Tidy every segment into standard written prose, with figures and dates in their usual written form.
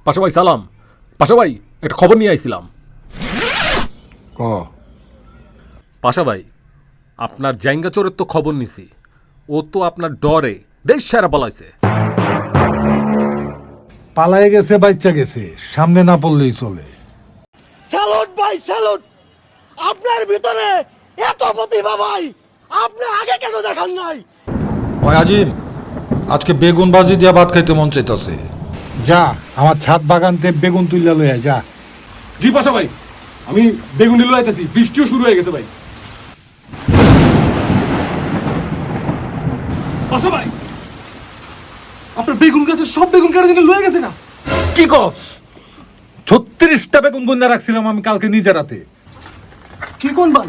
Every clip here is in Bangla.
পাশা ভাই সালাম। পাশা ভাই একটা খবর নিয়ে আইছিলাম। ক পাশা ভাই আপনার জাইঙ্গা চোরের তো খবর নিছি। ও তো আপনার ডরে দেশ সেরা পালাইছে। পালায়ে গেছে, বাচ্চা গেছে, সামনে না পড়লেই চলে। স্যালুট ভাই স্যালুট, আপনার ভিতরে এত প্রতিভা ভাই, আপনি আগে কেন দেখান নাই? ওই আজিম, আজকে বেগুন ভাজি দিয়া ভাত খাইতে মন চাইতাছে। যা আমার ছাদ বাগানতে বেগুন তুইলা লইয়া যা। জি পাশা ভাই, আমি বেগুন নিয়ে আইতেছি, বৃষ্টিও শুরু হয়ে গেছে ভাই। পাশা ভাই, আপনার বেগুন গাছের সব বেগুন কেটে দিলে লয়ে গেছে না? কি কস? 36টা বেগুন গুন্ডা রাখছিলাম আমি কালকে নিজে রাতে। কি কোন ভাই?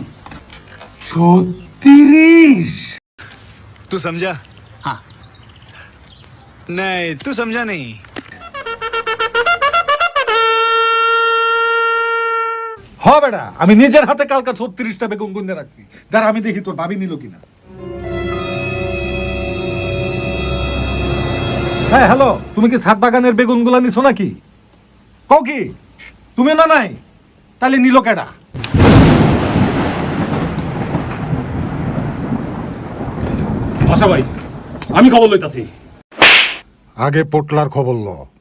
36? तू समझा? हाँ। नहीं, तू समझा नहीं। হ বেটা, আমি নিজের হাতে কালকে 36টা বেগুন গুন্ডা রাখছি। যারা আমি দেখি তোর ভাবি নিল কিনা। হ্যাঁ হ্যালো, তুমি কি ছাদ বাগানের বেগুন গুলা নিছো নাকি? কও কি তুমি না নাই? তাহলে নিল কেডা? পাশা ভাই, আমি খবর লইতাছি। আগে পোটলার খবর ল।